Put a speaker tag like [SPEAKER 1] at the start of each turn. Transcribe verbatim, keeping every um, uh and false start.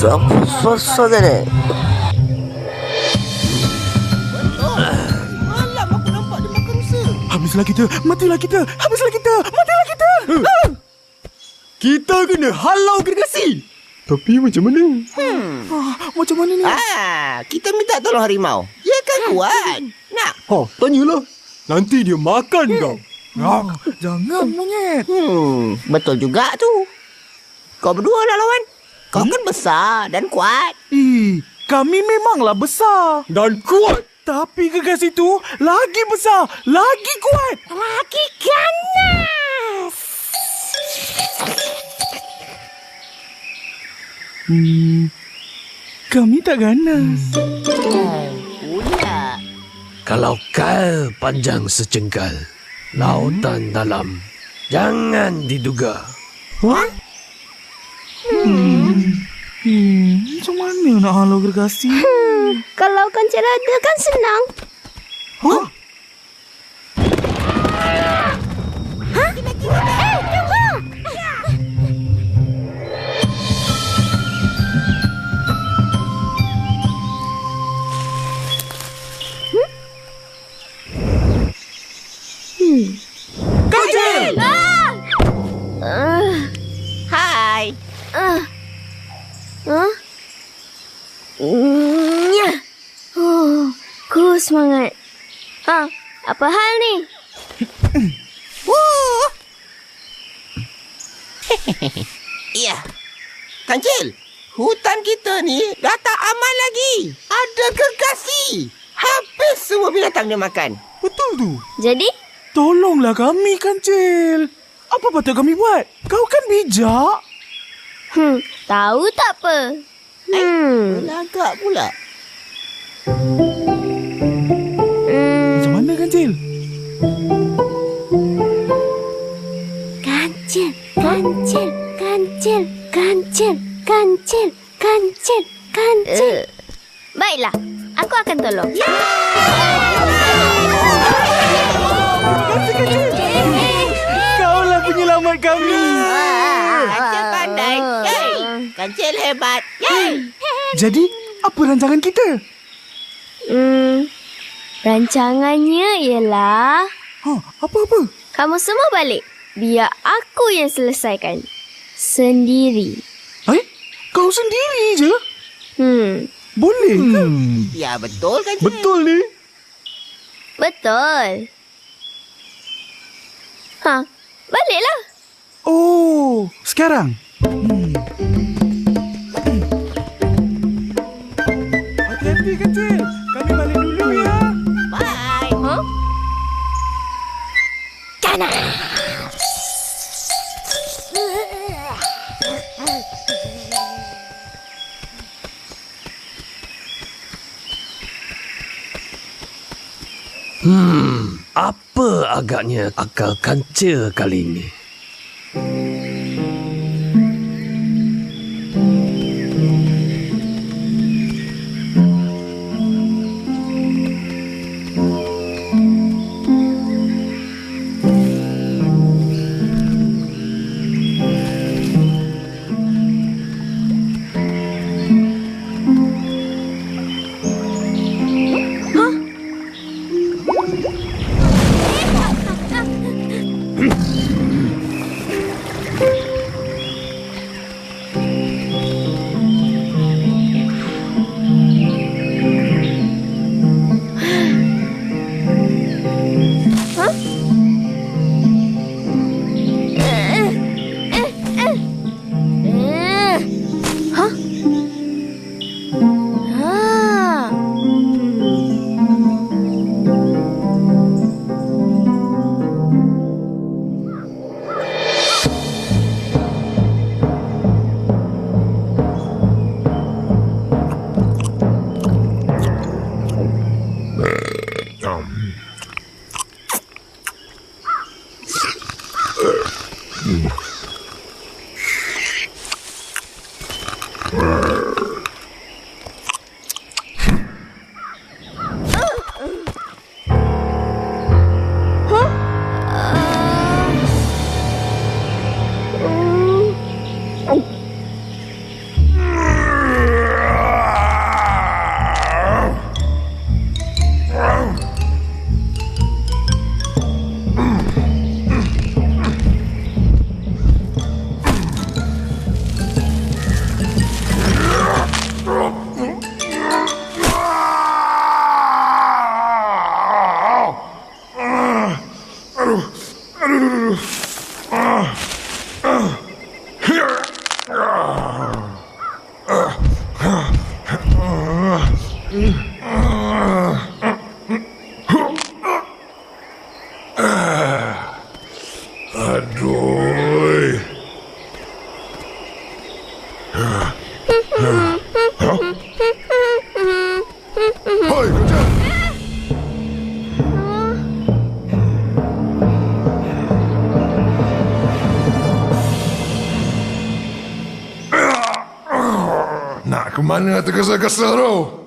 [SPEAKER 1] Susah-susah ni.
[SPEAKER 2] Malam aku nampak dia makan rusa.
[SPEAKER 3] Habislah kita, matilah kita, habislah kita, matilah kita. Uh. Kita kena halau gergasi. Tapi macam mana?
[SPEAKER 2] Hmm.
[SPEAKER 3] Ah, macam mana ni?
[SPEAKER 2] Ah, kita minta tolong harimau. Dia kan kuat. Nak?
[SPEAKER 3] Ha, tanyalah. Nanti dia makan kau. Ah, jangan monyet.
[SPEAKER 2] Hmm, betul juga tu. Kau berdua lah lawan. Kau hmm? kan besar dan kuat.
[SPEAKER 3] Ih, kami memanglah besar dan kuat. Tapi gergasi tu lagi besar, lagi kuat.
[SPEAKER 2] Lagi ganas.
[SPEAKER 3] Hmm, kami tak ganas.
[SPEAKER 2] Pula.
[SPEAKER 4] Kalau kau panjang secengkal, lautan dalam, jangan diduga.
[SPEAKER 3] What? Hmm. Hmm, macam mana nak halau gergasi?
[SPEAKER 5] Hmm, kalau kancil ada kan senang.
[SPEAKER 3] Hah?
[SPEAKER 5] Hah? Eh, tunggu! Hmm? Hmm.
[SPEAKER 3] Kancil!
[SPEAKER 5] Ah! Uh.
[SPEAKER 2] Hai.
[SPEAKER 5] Uh. Huh? Nya. Oh, ku semangat. Ha, apa hal ni?
[SPEAKER 2] Wuh. Ya. Kancil, hutan kita ni dah tak aman lagi. Ada gergasi. Habis semua binatang dia makan.
[SPEAKER 3] Betul tu.
[SPEAKER 5] Jadi?
[SPEAKER 3] Tolonglah kami, Kancil. Apa patut kami buat? Kau kan bijak.
[SPEAKER 5] Hmm, tahu tak apa. Hmm.
[SPEAKER 2] Belagak pula.
[SPEAKER 5] Hmm.
[SPEAKER 3] Macam mana, Kancil?
[SPEAKER 5] Kancil, kancil, kancil, kancil, kancil, kancil, kancil. Uh. Baiklah, aku akan tolong.
[SPEAKER 3] Kancil, Kancil. Kaulah penyelamat kami.
[SPEAKER 2] Kancil pandai. Yay. Kancil hebat. Yay.
[SPEAKER 3] Jadi, apa rancangan kita?
[SPEAKER 5] Hmm, rancangannya ialah...
[SPEAKER 3] Ha, apa-apa?
[SPEAKER 5] Kamu semua balik. Biar aku yang selesaikan. Sendiri.
[SPEAKER 3] Eh? Kau sendiri je?
[SPEAKER 5] Hmm,
[SPEAKER 3] Boleh ke? Hmm.
[SPEAKER 2] Ya, betul Kancil.
[SPEAKER 3] Betul ni.
[SPEAKER 5] betul. Ha, baliklah.
[SPEAKER 3] Oh, sekarang. Hmm. Hati-hati, Kancil. Kami balik dulu ya.
[SPEAKER 2] Bye.
[SPEAKER 5] Ha? Kana.
[SPEAKER 4] Hmm, apa agaknya akal Kancil kali ini?
[SPEAKER 1] Nak ke mana tergesa-gesa tu?